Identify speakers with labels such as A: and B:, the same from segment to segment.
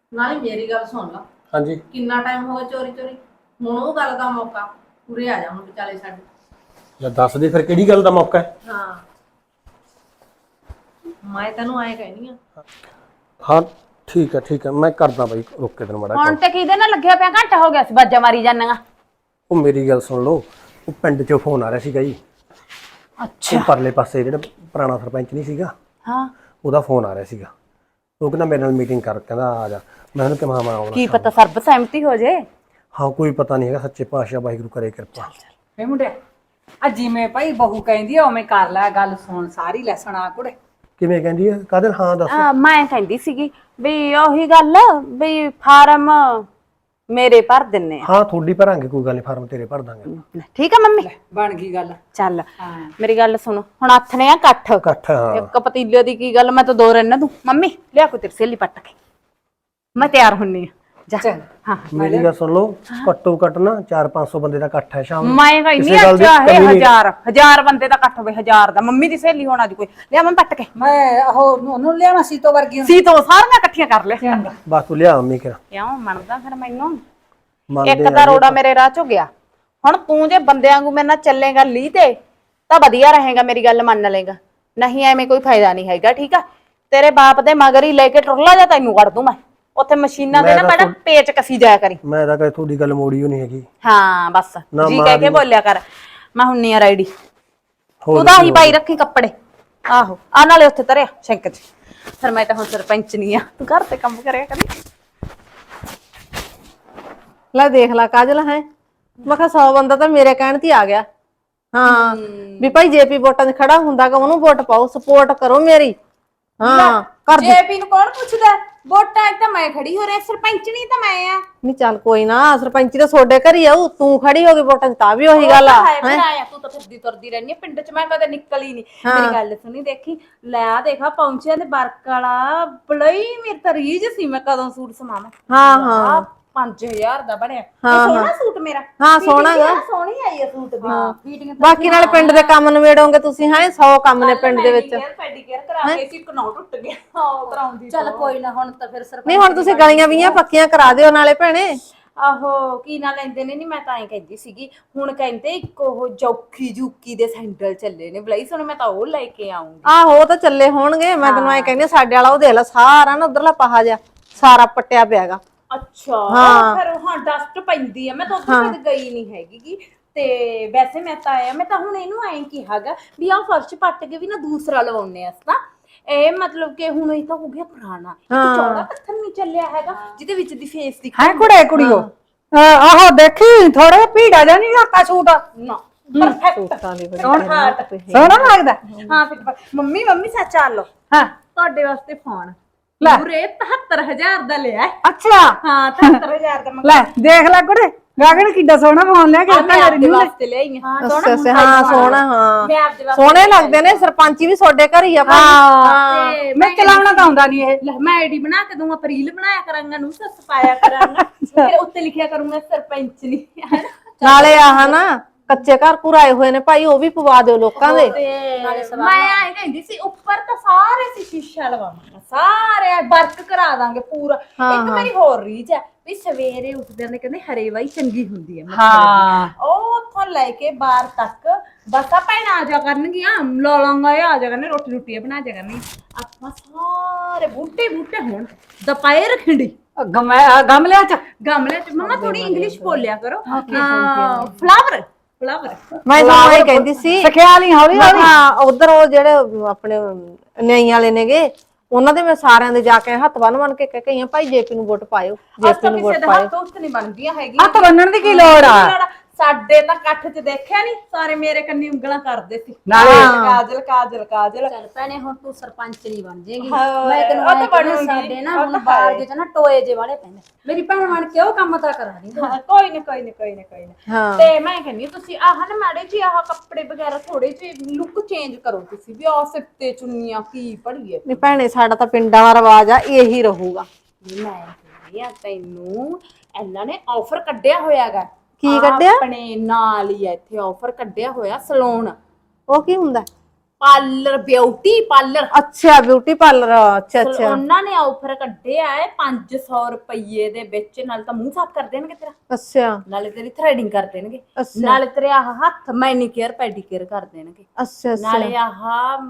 A: ਨਾਲੇ ਮੇਰੀ ਗੱਲ ਸੁਣ ਲਾ।
B: ਹਾਂਜੀ
A: ਕਿੰਨਾ ਟਾਈਮ ਹੋ ਗਿਆ ਚੋਰੀ ਚੋਰੀ, ਹੁਣ ਉਹ ਗੱਲ ਦਾ ਮੌਕਾ। ਪੂਰੇ ਆ ਜਾ ਹੁਣ ਵਿਚਾਲੇ ਸਾਡੇ।
B: ਜਾਂ ਦੱਸ ਦੇ ਫਿਰ ਕਿਹੜੀ ਗੱਲ ਦਾ ਮੌਕਾ ਹੈ।
A: ਹਾਂ ਮੈਂ ਤੈਨੂੰ ਐਂ ਕਹਿਨੀ ਆ।
B: ਹਾਂ ਠੀਕ ਹੈ ਮੈਂ ਕਰਦਾ ਬਾਈ, ਰੁਕ ਕੇ ਤੈਨੂੰ ਮੜਾ
C: ਹੁਣ
B: ਕੰਮ।
C: ਤੇ ਕਿਹਦੇ ਨਾਲ ਲੱਗਿਆ ਪਿਆ? ਘੰਟਾ ਹੋ ਗਿਆ ਸੀ ਬਾਜਾ ਮਾਰੀ ਜਾਂਦੀਆਂ।
B: ਉਹ ਮੇਰੀ ਗੱਲ ਸੁਣ ਲਓ, ਉਹ ਪਿੰਡ ਚੋਂ ਫੋਨ ਆ ਰਿਹਾ ਸੀਗਾ ਜੀ।
C: ਅੱਛਾ
B: ਉਹ ਪਰਲੇ ਪਾਸੇ ਜਿਹੜਾ ਪੁਰਾਣਾ ਸਰਪੰਚ ਨਹੀਂ ਸੀਗਾ,
C: ਹਾਂ,
B: ਉਹਦਾ ਫੋਨ ਆ ਰਿਹਾ ਸੀਗਾ। ਉਹ ਕਹਿੰਦਾ ਮੇਰੇ ਨਾਲ ਮੀਟਿੰਗ ਕਰ, ਕਹਿੰਦਾ ਆ ਜਾ। ਮੈਂ ਉਹਨੂੰ ਕਿਹਾ ਮੈਂ ਆਉਣਾ
C: ਕੀ
B: ਸ਼ਾਮ
C: ਪਤਾ ਸਰਬ ਸਹਿਮਤੀ ਹੋ ਜੇ।
B: ਹਾਂ ਕੋਈ ਪਤਾ ਨਹੀਂ ਹੈਗਾ, ਸੱਚੇ ਪਾਤਸ਼ਾਹ ਵਾਹਿਗੁਰੂ ਕਰੇ ਕਿਰਪਾ।
D: ਵੇ ਮੁੰਡਿਆ, ਆ ਜਿਵੇਂ ਭਾਈ ਬਹੂ ਕਹਿੰਦੀ ਆ ਉਵੇਂ ਕਰ ਲੈ, ਗੱਲ ਸੁਣ ਸਾਰੀ ਲੈ ਸੁਣਾ ਕੁੜੇ।
B: ਕਿਵੇਂ ਕਹਿੰਦੀ ਹੈ ਕਾਦਰ? ਹਾਂ ਦੱਸ।
C: ਮੈਂ ਕਹਿੰਦੀ ਸੀਗੀ ਵੀ ਉਹੀ ਗੱਲ ਵੀ ਫਾਰਮ ਮੇਰੇ ਭਰ ਦਿੰਨੇ ਆ।
B: ਹਾਂ ਤੁਹਾਡੀ ਭਰਾਂਗੇ, ਕੋਈ ਗੱਲ ਨਹੀਂ, ਫਾਰਮ ਤੇਰੇ ਭਰ ਦਾਂਗੇ।
C: ਠੀਕ ਆ ਮੰਮੀ?
D: ਬਣ ਗਈ ਗੱਲ।
C: ਚੱਲ
D: ਹਾਂ
C: ਮੇਰੀ ਗੱਲ ਸੁਣੋ, ਹੁਣ ਹੱਥ ਨੇ ਆ ਇਕੱਠ।
B: ਇਕੱਠ ਹਾਂ।
C: ਇੱਕ ਪਤੀਲੇ ਦੀ ਕੀ ਗੱਲ, ਮੈਂ ਤਾਂ ਦੋ ਰਹਿਣਾ ਤੂੰ। ਮੰਮੀ ਲਿਆ ਕੋਈ ਤੇਰੀ ਸਹੇਲੀ ਪੱਟ ਕੇ, ਮੈਂ ਤਿਆਰ ਹੁੰਨੀ ਆ। ਜਾ
D: ਚੱਲ।
C: ਹਾਂ
B: ਮੇਰੀ ਗੱਲ ਸੁਣ ਲਓ, ਘੱਟੋ ਘੱਟ ਨਾ 400-500 ਬੰਦੇ ਦਾ ਇਕੱਠ ਹੈ ਸ਼ਾਮ ਨੂੰ।
C: ਮੈਂ ਕਹਿੰਦੀ
B: ਕਿਸੇ ਗੱਲ ਦੀ
C: ਚਾਹੇ
B: ਕਮੀ ਨਹੀਂ।
C: ਹਜ਼ਾਰ ਬੰਦੇ ਦਾ ਇਕੱਠ ਹੋਵੇ, 1000 ਦਾ। ਮੰਮੀ ਦੀ ਸਹੇਲੀ ਹੋਣਾ ਦੀ ਕੋਈ ਲਿਆ ਮੈਂ ਪੱਟ ਕੇ।
D: ਮੈਂ ਉਹ ਉਹਨੂੰ ਲਿਆਵਾਂ ਸੀਤੋ ਵਰਗੀ ਨੂੰ।
C: ਸੀ ਤੋਂ ਸਾਰੀਆਂ ਇਕੱਠੀਆਂ ਕਰ ਲੈ।
D: ਚੰਗਾ।
B: ਬਸ ਤੂੰ ਲਿਆ ਮੰਮੀ ਕਿਹਾ
C: ਕਿਉਂ ਮੰਨਦਾ ਫਿਰ ਮੈਨੂੰ?
B: ਮੰਨਦੇ
C: ਇੱਕ ਤਾਂ ਰੋੜਾ ਮੇਰੇ ਰਾਹ ਚੋਂ ਗਿਆ। ਹੁਣ ਤੂੰ ਜੇ ਬੰਦਿਆਂ ਵਾਂਗੂ ਮੇਰੇ ਨਾਲ ਚੱਲੇਗਾ ਲੀ ਤੇ ਤਾਂ ਵਧੀਆ ਰਹੇਗਾ, ਮੇਰੀ ਗੱਲ ਮੰਨ ਲੇਗਾ। ਨਹੀਂ ਐਵੇਂ ਕੋਈ ਫਾਇਦਾ ਨਹੀਂ ਹੈਗਾ, ਠੀਕ ਆ? ਤੇਰੇ ਬਾਪ ਦੇ ਮਗਰ ਹੀ ਲੈ ਕੇ ਟੁਰਲਾ ਜਾ, ਤੈਨੂੰ ਕੱਢ ਦੂੰ ਮੈਂ ਉੱਥੇ ਮਸ਼ੀਨਾਂ ਦੇ ਨਾ ਬੜਾ ਪੇਚ ਕਸੀ ਜਾਇਆ ਕਰੀ।
B: ਮੈਂ ਤਾਂ ਕਦੇ ਤੁਹਾਡੀ ਗੱਲ ਮੋੜੀ ਹੋ ਨਹੀਂ ਹੈਗੀ।
C: ਹਾਂ ਬਸ ਜੀ ਕਹਿ ਕੇ ਬੋਲਿਆ ਕਰ। ਮੈਂ ਹੁੰਨੀ ਆ ਰੈਡੀ।
B: ਹੋਰ
C: ਤੂੰ ਤਾਂ ਹੀ ਪਾਈ ਰੱਖੀ ਕੱਪੜੇ। ਆਹੋ ਆ ਨਾਲੇ ਉੱਥੇ ਤਰਿਆ ਸ਼ਿੰਕ ਚ। ਫਿਰ ਮੈਂ ਤਾਂ ਹੁਣ ਸਰਪੰਚ ਨਹੀਂ ਆ, ਤੂੰ ਘਰ ਤੇ ਕੰਮ ਕਰਿਆ ਕਰੀ।
E: ਲੈ ਦੇਖ ਲਾ ਕਾਜਲ ਹੈ, ਮੈਂ ਕਿਹਾ 100 ਬੰਦਾ ਤਾਂ ਮੇਰੇ ਕਹਿਣ ਤੇ ਆ ਗਿਆ। ਹਾਂ ਵੀ ਭਾਈ ਜੇਪੀ ਵੋਟਾਂ 'ਚ ਖੜਾ ਹੁੰਦਾਗਾ, ਉਹਨੂੰ ਵੋਟ ਪਾਓ, ਸਪੋਰਟ ਕਰੋ ਮੇਰੀ। ਹਾਂ ਕਰ ਦੇ।
C: ਜੇਪੀ ਨੂੰ ਕੌਣ ਪੁੱਛਦਾ? ਵੋਟਾਂ ਤਾਂ ਮੈਂ ਖੜੀ ਹੋ ਰਿਹਾ, ਸਰਪੰਚਣੀ ਤਾਂ ਮੈਂ ਆ।
E: ਨਹੀਂ ਚੱਲ ਕੋਈ ਨਾ, ਸਰਪੰਚੀ ਤਾਂ ਤੁਹਾਡੇ ਘਰ ਹੀ ਆਊ, ਤੂੰ ਖੜੀ ਹੋ ਗਈ ਵੋਟਾਂ 'ਚ ਤਾਂ ਵੀ ਉਹੀ ਗੱਲ ਆ।
C: ਤੂੰ ਤਾਂ ਫਿਰਦੀ ਤੁਰਦੀ ਰਹਿੰਦੀ ਆ ਪਿੰਡ ਚ, ਮੈਂ ਕਦੇ ਨਿਕਲੀ ਨਹੀਂ। ਮੇਰੀ ਗੱਲ ਸੁਣੀ, ਦੇਖੀ ਲੈ ਆ ਦੇਖਾ ਪਹੁੰਚਿਆ ਤੇ ਵਰਕ ਵਾਲਾ ਬੜਈ ਮੇਰੀ ਤਾਂ ਰੀਝ ਸੀ, ਮੈਂ ਕਦੋਂ ਸੂਟ ਸਮਾਵਾਂ।
E: ਹਾਂ
C: 5000 ਦਾ ਬਣਿਆ। ਸੋਹਣਾ ਸੂਟ ਮੇਰਾ।
E: ਹਾਂ ਸੋਹਣਾ ਗਾ।
C: ਸੋਹਣੀ ਆਈ ਆ ਸੂਟ ਦੀ ਫੀਟਿੰਗ।
E: ਬਾਕੀ ਨਾਲੇ ਪਿੰਡ ਦੇ ਕੰਮ ਨਿਬੇੜੋਗੇ ਤੁਸੀਂ। ਹੈ 100 ਕੰਮ ਨੇ ਪਿੰਡ ਦੇ ਵਿੱਚ।
C: ਪੈਡੀਕੇਅਰ ਕਰਾ ਕੇ ਸੀ, ਇੱਕ ਨੌ ਟੁੱਟ ਗਿਆ। ਹਾਂ ਕਰਾਉਂਦੀ। ਚੱਲ ਕੋਈ ਨਾ, ਹੁਣ ਤਾਂ ਫਿਰ ਸਰਪੰਚ
E: ਨਹੀਂ ਹੁਣ ਤੁਸੀਂ ਗਲੀਆਂ ਵੀਆਂ ਪੱਕੀਆਂ ਕਰਾ ਦਿਓ ਨਾਲੇ ਭੈਣੇ।
C: ਆਹੋ ਕੀ ਨਾ ਲੈਂਦੇ ਨੇ। ਨਹੀਂ ਮੈਂ ਤਾਂ ਐਂ ਕਹਿੰਦੀ ਸੀਗੀ, ਹੁਣ ਕਹਿੰਦੇ ਇੱਕ ਉਹ ਜੌਕੀ ਜੂਕੀ ਦੇ ਸੈਂਡਲ ਚੱਲੇ ਨੇ ਬਲਾਈ ਸੋਹਣੇ, ਮੈਂ ਤਾਂ ਉਹ ਲੈ ਕੇ ਆਉਂਗੀ।
E: ਆਹੋ ਉਹ ਤਾਂ ਚੱਲੇ ਹੋਣਗੇ। ਮੈਂ ਤੈਨੂੰ ਐ ਕਹਿੰਦੀ ਸਾਡੇ ਵਾਲਾ ਉਹ ਦੇਖ ਲੈ, ਸਾਰਾ ਨਾ ਉਧਰਲਾ ਪਹਾ ਜਿਹਾ ਸਾਰਾ ਪੱਟਿਆ ਪਿਆਗਾ।
C: ਅੱਛਾ ਫਿਰ ਹਾਂ ਡਸਟ ਪੈਂਦੀ ਆ। ਮੈਂ ਤਾਂ ਉੱਥੇ ਕਦੇ ਗਈ ਨਹੀਂ ਹੈਗੀ ਤੇ ਵੈਸੇ ਮੈਂ ਤਾਂ ਆਇਆ, ਮੈਂ ਤਾਂ ਹੁਣ ਇਹਨੂੰ ਐਂ ਕਿਹਾਗਾ ਵੀ ਆਹ ਫਰਸ਼ ਪੱਟ ਕੇ ਵੀ ਨਾ ਦੂਸਰਾ ਲਵਾਉਣੇ ਆ ਤਾਂ ਇਹ ਮਤਲਬ ਕਿ ਹੁਣ ਇਹ ਤਾਂ ਹੋ ਗਿਆ ਪੁਰਾਣਾ। ਇੱਕ ਚੌੜਾ ਪੱਥਰ ਨਹੀਂ ਚੱਲਿਆ ਹੈਗਾ ਜਿਹਦੇ ਵਿੱਚ ਦੀ ਫੇਸ ਦਿਖਾ।
D: ਹੈ ਕੁੜੇ ਕੁੜੀਓ, ਆਹੋ ਦੇਖੀ ਥੋੜਾ ਭੀੜਾ ਜਾਂ ਨਹੀਂ ਹੱਕਾ ਸੂਟ
C: ਨਾ ਪਰਫੈਕਟ
D: ਸੋਹਣਾ ਲੱਗਦਾ।
C: ਹਾਂ ਫਿਰ ਮੰਮੀ ਸੱਚ ਆ ਲਓ
D: ਹਾਂ
C: ਤੁਹਾਡੇ ਵਾਸਤੇ ਫੋਨ
D: ਲੈ।
C: ਪੂਰੇ 73000 ਦਾ ਲਿਆ।
D: ਅੱਛਾ
C: ਹਾਂ 73000 ਦਾ
D: ਲੈ ਦੇਖ ਲੈ ਕੁੜੇ, ਗਾਗਣ ਕਿੱਡਾ ਸੋਹਣਾ ਫੋਨ ਲਿਆ ਕੇ
C: ਮੈਂ ਆਪਦੇ ਵਾਸਤੇ ਲਿਆਈ ਹਾਂ।
E: ਹਾਂ ਸੋਹਣਾ। ਹਾਂ
C: ਮੈਂ ਆਪਦੇ ਵਾਸਤੇ
E: ਸੋਹਣੇ ਲੱਗਦੇ ਨੇ। ਸਰਪੰਚੀ ਵੀ ਤੁਹਾਡੇ ਘਰ ਹੀ ਆ ਭਾਈ।
C: ਤੇ
D: ਮੈਂ ਚਲਾਉਣਾ ਤਾਂ ਆਉਂਦਾ ਨਹੀਂ ਇਹ।
C: ਲੈ ਮੈਂ ਆਈਡੀ ਬਣਾ ਕੇ ਦੂੰਗਾ, ਰੀਲ ਬਣਾਇਆ ਕਰਾਂਗਾ, ਨੂੰ ਸੱਸ ਪਾਇਆ ਕਰਾਂਗਾ, ਫਿਰ ਉੱਤੇ ਲਿਖਿਆ ਕਰੂੰਗਾ ਸਰਪੰਚ ਨਹੀਂ ਹੈ ਨਾ।
E: ਨਾਲੇ ਆਹ ਨਾ ਕੱਚੇ ਘਰ ਪੁਰਾਏ ਹੋਏ ਨੇ ਭਾਈ, ਉਹ ਵੀ ਪਵਾ ਦਿਓ ਲੋਕਾਂ ਦੇ।
C: ਮੈਂ ਆਏ ਕਹਿੰਦੀ ਸੀ ਉੱਪਰ ਤਾਂ ਸਾਰੇ ਸੀ ਸ਼ੀਸ਼ਾ ਲਵਾਵਾਂਗਾ, ਸਾਰੇ ਵਰਕ ਕਰਾ ਦਾਂਗੇ ਪੂਰਾ। ਇੱਕ ਮੇਰੀ ਹੋਰ ਰੀਚ ਹੈ ਵੀ ਸਵੇਰੇ ਉੱਠਦੇ ਨੇ ਕਹਿੰਦੇ ਹਰੇ ਵਾਈ ਚੰਗੀ ਹੁੰਦੀ ਹੈ।
D: ਹਾਂ
C: ਉਹ ਉੱਥੋਂ ਲੈ ਕੇ ਬਾਹਰ ਤੱਕ ਬਸ ਆ ਭੈਣਾਂ ਆ ਜਾ ਕਰਨਗੀਆਂ, ਲੋਲਾਂਗਾ ਆ ਜਾ ਕਰਨੇ, ਰੋਟੀ ਰੋਟੀ ਬਣਾ ਜਾ ਕਰਨੀ। ਆਪਾਂ ਸਾਰੇ ਬੂਟੇ ਹੋਣ ਦੁਪਹਿਰ ਖਿੰਡੀ
D: ਗਮਲਿਆਂ ਚ।
C: ਗਮਲੇ ਚ। ਮਮਾ ਥੋੜੀ ਇੰਗਲਿਸ਼ ਬੋਲਿਆ ਕਰੋ। ਫਲਾਵਰ
E: ਮੈਂ ਤੁਹਾਨੂੰ ਇਹ ਕਹਿੰਦੀ ਸੀ
D: ਸਖਿਆਲ ਹੀ ਹੌਲੀ ਹੌਲੀ।
E: ਹਾਂ ਉਧਰ ਉਹ ਜਿਹੜੇ ਆਪਣੇ ਨਿਆਈ ਵਾਲੇ ਨੇਗੇ, ਉਹਨਾਂ ਦੇ ਮੈਂ ਸਾਰਿਆਂ ਦੇ ਜਾ ਕੇ ਹੱਥ ਬੰਨ ਕੇ ਕਹਿ ਕੇ ਭਾਈ ਜੇਪੀ ਨੂੰ ਵੋਟ ਪਾਇਓ, ਜੇਪੀ ਨੂੰ ਵੋਟ ਪਾਇਓ।
C: ਹੱਥ ਉੱਤ ਨਹੀਂ ਬਣਦੀਆਂ ਹੈਗੀਆਂ।
D: ਹੱਥ ਬੰਨਣ ਦੀ ਕੀ ਲੋੜ ਆ?
C: ਸਾਡੇ ਤਾਂ ਇਕੱਠ ਚ ਦੇਖਿਆ ਨਹੀਂ, ਸਾਰੇ ਮੇਰੇ ਕੰਨੀ ਉਂਗਲਾਂ ਕਰਦੇ ਸੀ।
D: ਨਾਲੇ
C: ਕਾਜਲ
F: ਚੱਲ ਭੈਣੇ ਹੁਣ ਤੂੰ ਸਰਪੰਚ ਨਹੀਂ ਬਣ ਜੇਗੀ।
C: ਹਾਂ,
F: ਮੈਂ ਤੈਨੂੰ
C: ਉਹ ਤਾਂ
F: ਆਏ ਕਹਿੰਦੀ
C: ਬਣੂਗੀ।
F: ਸਾਡੇ ਨਾ
C: ਉਹ
F: ਹੁਣ
C: ਤਾਂ
F: ਬਾਹਰ
C: ਹੈ।
F: ਦੇ ਚ ਨਾ ਟੋਏ ਜੇ ਵਾਲੇ ਪੈਂਦੇ। ਮੇਰੀ ਭੈਣ ਬਣ ਕੇ ਉਹ ਕੰਮ ਤਾਂ ਕਰਾ ਦੀ।
C: ਕੋਈ ਨਾ। ਤੇ ਮੈਂ ਕਹਿੰਦੀ ਤੁਸੀਂ ਆਹ ਨਾ ਮਾੜੇ ਜੀ ਆਹ ਕੱਪੜੇ ਵਗੈਰਾ ਥੋੜੇ ਜਿਹੇ ਲੁੱਕ ਚੇਂਜ ਕਰੋ ਤੁਸੀਂ ਵੀ। ਆਹ ਸਿੱਤੇ ਚੁੰਨੀਆਂ ਕੀ ਪੜੀਏ।
E: ਨਹੀਂ ਭੈਣੇ ਸਾਡਾ ਤਾਂ ਪਿੰਡਾਂ ਦਾ ਰਿਵਾਜ ਆ, ਇਹੀ ਰਹੂਗਾ।
C: ਮੈਂ ਕਹਿੰਦੀ ਆ ਤੈਨੂੰ ਇਹਨਾਂ ਨੇ ਆਫਰ ਕੱਢਿਆ ਹੋਇਆਗਾ।
E: ਕੀ ਕੱਢਿਆ?
C: ਆਪਣੇ ਨਾਲ ਹੀ ਇੱਥੇ ਆਫਰ ਕੱਢਿਆ ਹੋਇਆ ਸਲੂਨ।
E: ਉਹ ਕੀ ਹੁੰਦਾ?
C: ਪਾਰਲਰ ਬਿਊਟੀ ਪਾਰਲਰ
E: ਅੱਛਾ ਬਿਊਟੀ ਪਾਰਲਰ, ਅੱਛਾ ਅੱਛਾ
C: ਉਹਨਾਂ ਨੇ ਆਫਰ ਕੱਢਿਆ ਹੈ 500 ਰੁਪਏ ਦੇ ਵਿੱਚ। ਨਾਲ ਤਾਂ ਮੂੰਹ ਸਾਫ਼ ਕਰ ਦੇਣਗੇ ਤੇਰਾ,
E: ਅੱਛਾ
C: ਨਾਲੇ ਤੇਰੀ ਥ੍ਰੈਡਿੰਗ ਕਰ ਦੇਣਗੇ,
E: ਅੱਛਾ
C: ਨਾਲੇ ਤੇਰੇ ਆਹ ਹੱਥ ਮੈਨੀਕੇਅਰ ਪੈਡੀਕੇਅਰ ਕਰ ਦੇਣਗੇ,
E: ਅੱਛਾ
C: ਨਾਲੇ ਆਹ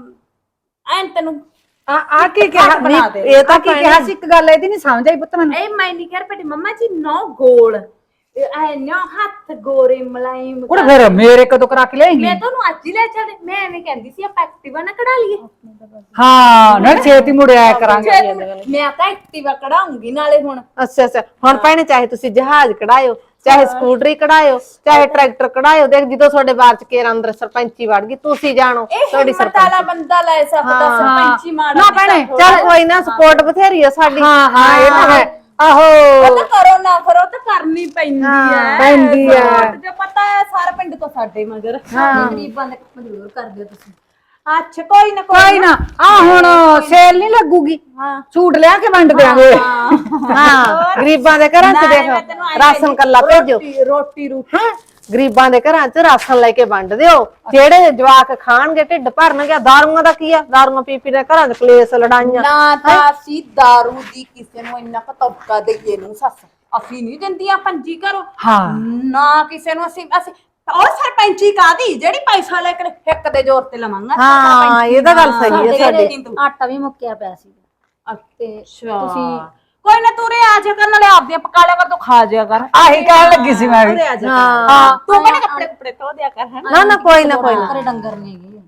C: ਐਨ ਤੈਨੂੰ
D: ਆ ਕੀ ਕਿਹਾ
C: ਬਣਾ ਦੇ।
E: ਇਹ ਤਾਂ
D: ਕੀ ਕਿਹਾ ਸੀ? ਇੱਕ ਗੱਲ ਇਹਦੀ ਨਹੀਂ ਸਮਝ ਆਈ ਪੁੱਤ ਮੈਨੂੰ।
C: ਇਹ ਮੈਨੀਕੇਅਰ ਪੈਡੀ ਮੰਮਾ ਜੀ ਨੋ ਗੋਲ ਐ ਨਾ ਹੱਥ ਗੋਰੇ ਮਲਾਈਮ
D: ਉਹ ਫਿਰ ਮੇਰੇ ਕਦੋਂ ਕਰਾ ਕੇ ਲਿਆਏਂਗੀ?
C: ਮੈਂ ਤੁਹਾਨੂੰ ਅੱਜ ਹੀ ਲੈ ਚੱਲੇ। ਮੈਂ ਐਵੇਂ ਕਹਿੰਦੀ ਸੀ ਆਪਾਂ ਐਕਟਿਵਾ ਨਾ ਕਢਾ ਲਈਏ।
D: ਹਾਂ ਨਾ ਛੇਤੀ ਮੁੜਿਆ ਕਰਾਂਗੇ।
C: ਮੈਂ ਤਾਂ ਐਕਟਿਵਾ ਕਢਾਉਂਗੀ ਨਾਲੇ ਹੁਣ।
E: ਅੱਛਾ ਅੱਛਾ ਹੁਣ ਭੈਣੇ ਚਾਹੇ ਤੁਸੀਂ ਜਹਾਜ਼ ਕਢਾਇਓ, ਚਾਹੇ ਸਕੂਟਰੀ ਕਢਾਇਓ, ਚਾਹੇ ਟਰੈਕਟਰ ਕਢਾਇਓ। ਦੇਖ ਜਦੋਂ ਤੁਹਾਡੇ ਬਾਰ ਚ ਕੇਰ ਅੰਦਰ ਸਰਪੰਚੀ ਵੜ ਗਈ, ਤੁਸੀਂ ਜਾਣੋ ਤੁਹਾਡੀ
C: ਹਿੰਮਤ ਵਾਲਾ ਬੰਦਾ ਲੈ ਸਕਦਾ ਸਰਪੰਚੀ ਮਾੜਾ
D: ਨਾ ਭੈਣੇ,
E: ਚੱਲ ਕੋਈ ਨਾ, ਸਪੋਰਟ ਬਥੇਰੀ ਆ ਸਾਡੀ।
D: ਹਾਂ ਹਾਂ ਇਹ ਤਾਂ ਹੈ। ਆਹੋ
C: ਉਹ ਤਾਂ ਕਰੋ ਨਾ ਕਰੋ ਤਾਂ ਕਰਨੀ ਪੈਂਦੀ ਹੈ।
D: ਪੈਂਦੀ ਹੈ।
C: support ਜੋ ਪਤਾ ਹੈ ਸਾਰਾ ਪਿੰਡ ਤੋਂ ਸਾਡੇ ਮਗਰ ਗਰੀਬਾਂ ਦੇ ਕੰਮ ਜ਼ਰੂਰ ਕਰਦੇ ਹੋ ਤੁਸੀਂ। ਅੱਛਾ ਕੋਈ ਨਾ
D: ਕੋਈ ਨਾ, ਆ ਹੁਣ ਸੇਲ ਨਹੀਂ ਲੱਗੂਗੀ, ਸੂਟ ਲਿਆ ਕੇ ਵੰਡ ਦਿਆਂਗੇ।
E: ਹਾਂ ਗਰੀਬਾਂ ਦੇ ਘਰਾਂ ਚ ਦੇਖ ਰਾਸ਼ਨ ਕੱਲਾ ਭੇਜੋ।
C: ਰੋਟੀ
E: ਗਰੀਬਾਂ ਦੇ ਘਰਾਂ ਚ ਰਾਸ਼ਨ ਲੈ ਕੇ ਵੰਡ ਦਿਓ, ਜਿਹੜੇ ਜਵਾਕ ਖਾਣਗੇ ਢਿੱਡ ਭਰਨਗੇ। ਦਾਰੂਆਂ ਦਾ ਕੀ ਆ? ਦਾਰੂਆਂ ਪੀ ਪੀ ਦੇ ਘਰਾਂ ਚ ਕਲੇਸ਼ ਲੜਾਈਆਂ।
C: ਨਾ ਤਾਂ ਅਸੀਂ ਦਾਰੂ ਦੀ ਕਿਸੇ ਨੂੰ ਇੰਨਾ ਪਤੌਕਾ ਦਈਏ ਨੂੰ ਸੱਸ, ਅਸੀਂ ਨਹੀਂ ਦਿੰਦੀਆਂ ਪੰਜੀ ਘਰੋਂ।
D: ਹਾਂ
C: ਨਾ ਕਿਸੇ ਨੂੰ ਅਸੀਂ ਉਹ ਸਰਪੰਚੀ ਕਾਦੀ ਜਿਹੜੀ ਪੈਸਾ ਲੈ ਕੇ ਹਿੱਕ ਦੇ ਜ਼ੋਰ ਤੇ ਲਵਾਂਗਾ।
E: ਹਾਂ ਇਹ ਤਾਂ ਗੱਲ ਸਹੀ ਹੈ ਸਾਡੇ।
F: ਆਟਾ ਵੀ ਮੁੱਕਿਆ ਪਿਆ ਸੀ ਤੇ
C: ਤੁਸੀਂ ਕੋਈ ਨਾ ਤੂੰ ਰੇ ਆ ਜਾ ਕਰਨ ਵਾਲੇ ਆਪਦੀਆਂ ਪਕਾ ਲਿਆ ਕਰ, ਤੂੰ ਖਾ ਜਾ ਕਰ।
D: ਆਹੀ ਕਹਿਣ ਲੱਗੀ ਸੀ ਮੈਂ ਵੀ।
E: ਹਾਂ
C: ਤੂੰ ਕਹਿੰਦੇ ਕੱਪੜੇ ਕੁਪੜੇ ਧੋ ਦਿਆ ਕਰ ਹੈ
E: ਨਾ ਨਾ ਕੋਈ ਨਾ ਕੋਈ ਨਾ।
F: ਘਰੇ ਡੰਗਰ ਨਹੀਂ ਹੈਗੇ।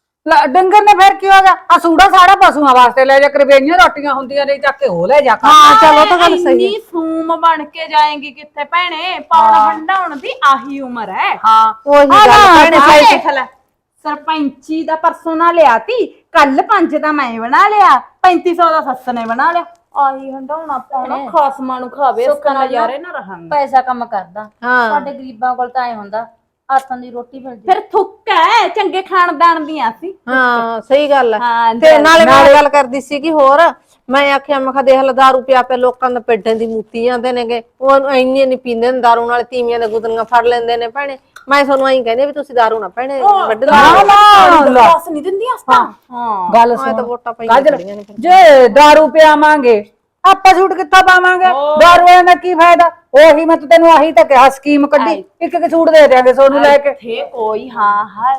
D: ਡੰਗਰ ਨੇ ਫਿਰ ਕੀ ਹੋ ਗਿਆ? ਆ ਸੂੜਾ ਸਾੜਾ ਪਸ਼ੂਆਂ ਵਾਸਤੇ ਲੈ ਜਾ, ਕਰਵੇਈਆਂ ਰੋਟੀਆਂ ਹੁੰਦੀਆਂ ਨੇ ਚੱਕ ਕੇ ਉਹ ਲੈ ਜਾ।
E: ਹਾਂ ਚਲੋ ਤਾਂ ਗੱਲ ਸਹੀ
C: ਇੰਨੀ ਸੂਮ ਬਣ ਕੇ ਜਾਏਗੀ ਕਿੱਥੇ ਭੈਣੇ? ਪਾਉਣ ਹੰਡਾਉਣ ਦੀ ਆਹੀ ਉਮਰ ਹੈ।
D: ਹਾਂ
E: ਉਹੀ ਗੱਲ ਭੈਣੇ
C: ਆਹ
E: ਸਹੀ।
C: ਦੇਖ ਲੈ, ਸਰਪੰਚੀ ਦਾ ਪਰਸੋਂ ਨਾ ਲਿਆਤੀ, ਕੱਲ 5 ਦਾ ਮੈਂ ਬਣਾ ਲਿਆ, 3500 ਦਾ ਸੱਸ ਨੇ ਬਣਾ ਲਿਆ। ਆਹੀ ਹੰਡਾਉਣਾ ਪਾਉਣਾ ਖਾਸਮਾਂ ਨੂੰ ਖਾਵੇ, ਇਸ ਨਾਲ ਯਾਰੇ ਨਾ ਰਹਾਂਗੇ।
F: ਪੈਸਾ ਕੰਮ ਕਰਦਾ
E: ਹਾਂ
F: ਸਾਡੇ ਗਰੀਬਾਂ ਕੋਲ ਤਾਂ ਐ ਹੁੰਦਾ ਹੱਥਾਂ ਦੀ ਰੋਟੀ ਮਿਲਦੀ।
C: ਫਿਰ ਥੁੱਕ ਹੈ ਚੰਗੇ ਖਾਨਦਾਨ ਦੀਆਂ ਸੀ।
E: ਹਾਂ ਸਹੀ ਗੱਲ ਹੈ।
C: ਹਾਂ
E: ਤੇ ਨਾਲੇ ਮੈਂ ਗੱਲ ਕਰਦੀ ਸੀ ਕਿ ਹੋਰ ਮੈਂ ਆਖਿਆ ਮੈਂ ਕਿਹਾ ਦੇਖ ਲਾ ਦਾਰੂ ਪਿਆ ਪਿਆ ਲੋਕਾਂ ਦੇ ਪੇਟਾਂ ਦੀ ਮੂਤੀ ਜਾਂਦੇ ਨੇਗੇ। ਉਹ ਇੰਨੇ ਨਹੀਂ ਪੀਂਦੇ ਨੇ ਦਾਰੂ, ਨਾਲ ਤੀਵੀਆਂ ਦੇ ਗੁੱਦਲੀਆਂ ਫੜ ਲੈਂਦੇ ਨੇ ਭੈਣੇ। ਮੈਂ ਤੁਹਾਨੂੰ ਐਂ ਕਹਿੰਦੀ ਵੀ ਤੁਸੀਂ ਦਾਰੂ ਨਾ ਭੈਣੇ ਵੱਢ ਲਾ।
C: ਦੱਸ ਨਹੀਂ ਦਿੰਦੀਆਂ ਅਸਾਂ। ਹਾਂ
D: ਗੱਲ
E: ਤਾਂ
D: ਸੁਣ
E: ਵੋਟਾਂ ਪਈਆਂ ਖੜੀਆਂ ਨੇ ਫਿਰ।
D: ਜੇ ਦਾਰੂ ਪਿਆਵਾਂਗੇ ਆਪਾਂ ਸੂਟ ਕਿੱਥੋਂ ਪਾਵਾਂਗੇ? ਦਾਰੂ ਦਾ ਕੀ ਫਾਇਦਾ? ਉਹੀ ਮੈਂ ਤੈਨੂੰ ਆਹੀ ਤਾਂ ਕਿਹਾ ਸਕੀਮ ਕੱਢੀ, ਇੱਕ ਇੱਕ ਸੂਟ ਦੇ ਦਿਆਂਗੇ ਸੋਨੂੰ ਲੈ ਕੇ।
C: ਇੱਥੇ ਕੋਈ ਹਾਂ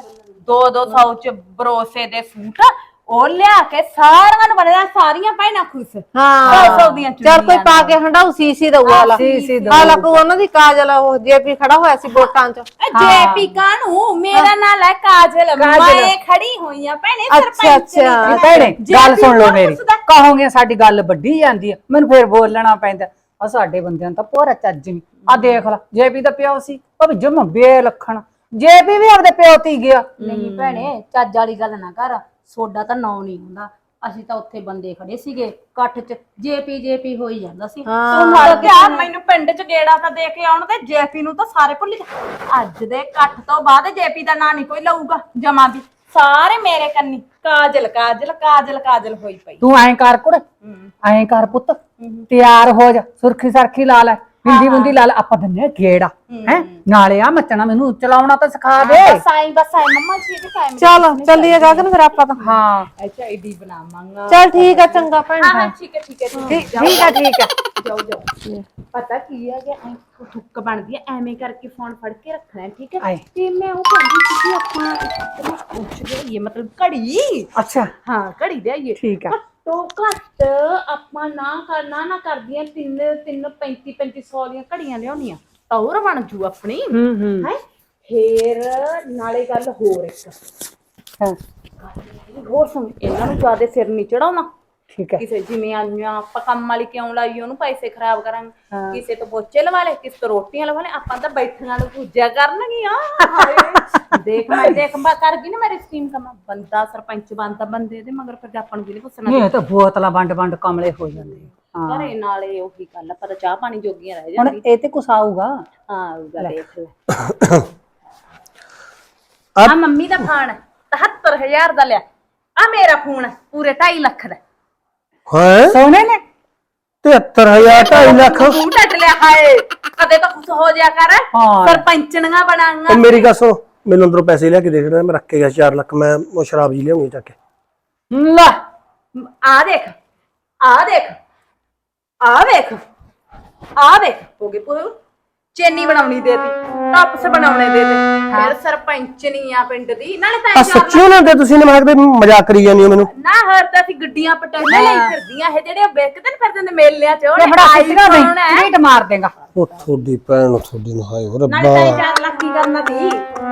C: 200 ਚ ਬਰੋਸੇ ਦੇ ਸੂਟ ਉਹ ਲਿਆ ਕੇ ਸਾਰਿਆਂ ਨੂੰ ਬਣਿਆ, ਸਾਰੀਆਂ ਭੈਣਾਂ ਖੁਸ਼।
E: ਹਾਂ
C: 200 ਦੀਆਂ
E: ਚੱਲ ਕੋਈ ਪਾ ਕੇ ਹੰਡਾਉ ਸੀਸੀ ਦਊਗਾ ਵਾਲਾ।
D: ਸੀਸੀ
E: ਆ ਲੱਗੂ ਉਹਨਾਂ ਦੀ ਕਾਜਲ, ਉਹ ਜੇਪੀ ਖੜਾ ਹੋਇਆ ਸੀ ਵੋਟਾਂ ਚ।
C: ਜੇਪੀ ਕਾਨੂੰ ਮੇਰਾ ਨਾਲ ਹੈ ਕਾਜਲ, ਮੈਂ ਖੜੀ ਹੋਈ ਆ ਭੈਣੇ
E: ਅੱਛਾ,
C: ਸਰਪੰਚ ਦੀ।
E: ਅੱਛਾ।
D: ਭੈਣੇ ਗੱਲ ਸੁਣ ਲਓ
C: ਕੌਣ
D: ਮੇਰੀ,
C: ਪੁੱਛਦਾ?
D: ਕਹੋਗੇ ਸਾਡੀ ਗੱਲ ਵੱਡੀ ਜਾਂਦੀ ਹੈ, ਮੈਨੂੰ ਫੇਰ ਬੋਲਣਾ ਪੈਂਦਾ। ਆ ਸਾਡੇ ਬੰਦਿਆਂ ਨੂੰ ਤਾਂ ਪੂਰਾ ਚੱਜ ਨਹੀਂ। ਆ ਦੇਖ ਲੈ ਜੇਪੀ ਦਾ ਪਿਓ ਸੀ, ਉਹ ਵੀ ਜਮ ਬੇਲਖਣ। ਜੇਪੀ ਵੀ ਆਪਦੇ ਪਿਓ ਤੀ ਗਿਆ।
F: ਨਹੀਂ ਭੈਣੇ ਚੱਜ ਵਾਲੀ ਗੱਲ ਨਾ ਕਰ, ਸੋਡਾ ਤਾਂ ਨਾਂ ਨਹੀਂ ਹੁੰਦਾ। ਅਸੀਂ ਤਾਂ ਉੱਥੇ ਬੰਦੇ ਖੜੇ ਸੀਗੇ ਇਕੱਠ ਚ, ਜੇਪੀ ਹੋਈ ਜਾਂਦਾ ਸੀ।
C: ਤੂੰ ਮਰ ਗਿਆ, ਮੈਨੂੰ ਪਿੰਡ ਚ ਗੇੜਾ ਤਾਂ ਦੇ ਕੇ ਆਉਣ ਤੇ ਜੇਪੀ ਨੂੰ ਤਾਂ ਸਾਰੇ ਭੁੱਲ ਜਾ। ਅੱਜ ਦੇ ਇਕੱਠ ਤੋਂ ਬਾਅਦ ਜੇਪੀ ਦਾ ਨਾਂ ਨਹੀਂ ਕੋਈ ਲਊਗਾ ਜਮਾ ਵੀ। ਸਾਰੇ ਮੇਰੇ ਕੰਨੀ ਕਾਜਲ ਕਾਜਲ ਕਾਜਲ ਕਾਜਲ ਹੋਈ ਪਈ।
D: ਤੂੰ ਐਂ ਕਰ ਕੁੜ, ਐਂ ਕਰ ਪੁੱਤ, ਤਿਆਰ ਹੋ ਜਾ, ਸੁਰਖੀ ਸਰਖੀ ਲਾ ਲੈ, ਬਿੰਦੀ ਬੁੰਦੀ ਲਾ ਲੈ, ਆਪਾਂ ਦਿੰਨੇ ਗੇੜਾ ਹੈ। ਨਾਲੇ ਆ ਮੱਚਣਾ ਮੈਨੂੰ ਚਲਾਉਣਾ ਤਾਂ ਸਿਖਾ ਦੇ।
C: ਬਸ ਆਈ ਮੰਮਾ ਜੀ ਦੇ ਟਾਈਮ
E: ਚਲ ਚੱਲੀਏ ਗਗਨ ਫਿਰ ਆਪਾਂ ਤਾਂ।
D: ਹਾਂ
C: ਅੱਛਾ ਆਈਡੀ ਬਣਾਵਾਂਗਾ।
E: ਚੱਲ ਠੀਕ ਆ ਚੰਗਾ ਭੈਣ।
C: ਹਾਂ ਠੀਕ ਹੈ ਠੀਕ ਹੈ
E: ਠੀਕ ਆ ਠੀਕ ਆ।
C: ਜਾਓ ਜਾਓ। ਪਤਾ ਕੀ ਹੈ ਕਿ ਐ ਠੁੱਕ ਬਣਦੀ ਹੈ, ਐਵੇਂ ਕਰਕੇ ਫੋਨ ਫੜ ਕੇ ਰੱਖਣਾ ਹੈ, ਠੀਕ ਹੈ।
D: ਆਏ।
C: ਤੇ ਮੈਂ ਉਹ ਕਹਿੰਦੀ ਸੀ ਕਿ ਆਪਾਂ ਪੁੱਛ ਗਏ ਮਤਲਬ ਘੜੀ।
D: ਅੱਛਾ
C: ਹਾਂ ਘੜੀ ਦੇ ਆਈਏ
D: ਠੀਕ ਆ।
C: ਘੱਟੋ ਘੱਟ ਆਪਾਂ ਨਾ ਕਰਦੀਆਂ 3500 ਦੀਆਂ ਘੜੀਆਂ ਲਿਆਉਣੀਆਂ ਤਾਂ ਹੋਰ ਬਣ ਜੂ ਆਪਣੀ ਹੈ। ਫੇਰ ਨਾਲੇ ਗੱਲ ਹੋਰ ਇੱਕ ਹੋਰ ਸੁਣ, ਇਹਨਾਂ ਨੂੰ ਜ਼ਿਆਦਾ ਸਿਰ ਨਹੀਂ ਚੜਾਉਣਾ।
D: ਠੀਕ ਹੈ
C: ਕਿਸੇ ਜਿਵੇਂ ਆਈਆਂ ਆਪਾਂ ਕੰਮ ਵਾਲੀ ਕਿਉਂ ਲਾਈ, ਉਹਨੂੰ ਪੈਸੇ ਖਰਾਬ ਕਰਾਂਗੇ। ਕਿਸੇ ਤੋਂ ਪੋਚੇ ਲਵਾ ਲੈ, ਕਿਸੇ ਤੋਂ ਰੋਟੀਆਂ ਲਵਾ ਲੈ, ਆਪਾਂ ਤਾਂ ਬੈਠੀਆਂ ਨੂੰ ਪੂਜਿਆ ਕਰਨਗੀਆਂ। ਦੇਖ ਮੈਂ ਕਰ ਗਈ ਨਾ ਮੇਰੀ ਸਕੀਮ ਕੰਮ। ਬੰਦਾ ਸਰਪੰਚ ਬਣਦਾ ਬੰਦੇ ਦੇ ਮਗਰ ਫਿਰ ਆਪਾਂ ਨੂੰ ਕਿਹਨੇ ਪੁੱਛਣਾ?
D: ਨਹੀਂ ਤਾਂ ਬੋਤਲਾਂ ਵੰਡ ਕਮਲੇ ਹੋ ਜਾਂਦੇ ਆ।
C: ਘਰੇ ਨਾਲੇ ਉਹੀ ਗੱਲ ਆ, ਪਰ ਚਾਹ ਪਾਣੀ ਜੋਗੀਆਂ ਰਹਿ
D: ਹੁਣ
C: ਜਾਂਦੀਆਂ।
D: ਇਹ ਤੇ ਕੁਛ ਆਊਗਾ।
C: ਹਾਂ ਆਊਗਾ, ਦੇਖ ਲੈ। ਆ ਮੰਮੀ ਦਾ ਫੋਨ 77000 ਦਾ ਲਿਆ। ਆ ਮੇਰਾ ਫੋਨ ਪੂਰੇ 2.5 ਲੱਖ ਦਾ।
B: ਹੈ
D: ਸੋਨੇ ਨੇ
B: 73000 2.5 ਲੱਖ।
C: ਤੂੰ ਟੱਟ ਲਿਆ ਹਾਏ, ਕਦੇ ਤਾਂ ਖੁਸ਼ ਹੋ ਜਾ ਕਰ।
D: ਹਾਂ।
C: ਸਰਪੰਚਣੀਆਂ ਬਣਾਂਗਾ।
B: ਉਹ ਮੇਰੀ ਗੱਲ ਸੁਣ, ਮੈਨੂੰ ਅੰਦਰੋਂ ਪੈਸੇ ਲਿਆ ਕੇ ਦੇ ਦੇਣਾ, ਮੈਂ ਰੱਖ ਕੇ ਗਿਆ 4 ਲੱਖ, ਮੈਂ ਉਹ ਸ਼ਰਾਬ ਜੀ ਲਿਆਉਂਗੀ ਚੱਕ ਕੇ।
C: ਲੈ ਆ ਦੇਖ ਆ ਦੇਖ ਆ ਵੇਖ ਆ ਵੇਖ ਹੋ ਗਈ ਪੂ ਚੇਨੀ ਬਣਾਉਣੀ ਦੇਤੀ, ਟੱਪਸ ਬਣਾਉਣੇ ਦੇਤੇ, ਫਿਰ ਸਰਪੰਚਨੀ ਆ ਪਿੰਡ ਦੀ ਨਾਲੇ ਤਾਂ
B: ਆ ਸੱਚੀ ਨਾ ਦੇ ਤੁਸੀਂ ਨੇ, ਮੈਂ ਕਿਹਾ ਮਜ਼ਾਕ ਕਰੀ ਜਾਂਦੀ ਹੋ ਮੈਨੂੰ।
C: ਨਾ ਹਰ ਤਾਂ ਅਸੀਂ ਗੱਡੀਆਂ ਪਟਾਈਆਂ ਲਈ ਫਿਰਦੀਆਂ ਇਹ ਜਿਹੜੇ ਵੇਖਦੇ ਨੇ ਫਿਰਦੇ ਨੇ ਮੇਲਿਆਂ 'ਚ
D: ਤੇ
C: ਉਹਨੇ
D: ਬੜਾ
C: ਆਈ
D: ਸਿੱਧਾ ਨਹੀਂ
C: ਕੌਣ ਹੈ
D: ਝੀਟ ਮਾਰ ਦੇਗਾ।
B: ਉਹ ਤੁਹਾਡੀ ਭੈਣ ਨੂੰ, ਤੁਹਾਡੀ ਨੂੰ, ਹਾਏ ਓ
C: ਨਾਲੇ
B: ਰੱਬਾ।
C: ਤਾਂ 4 ਲੱਖ ਕੀ ਕਰਨਾ ਸੀ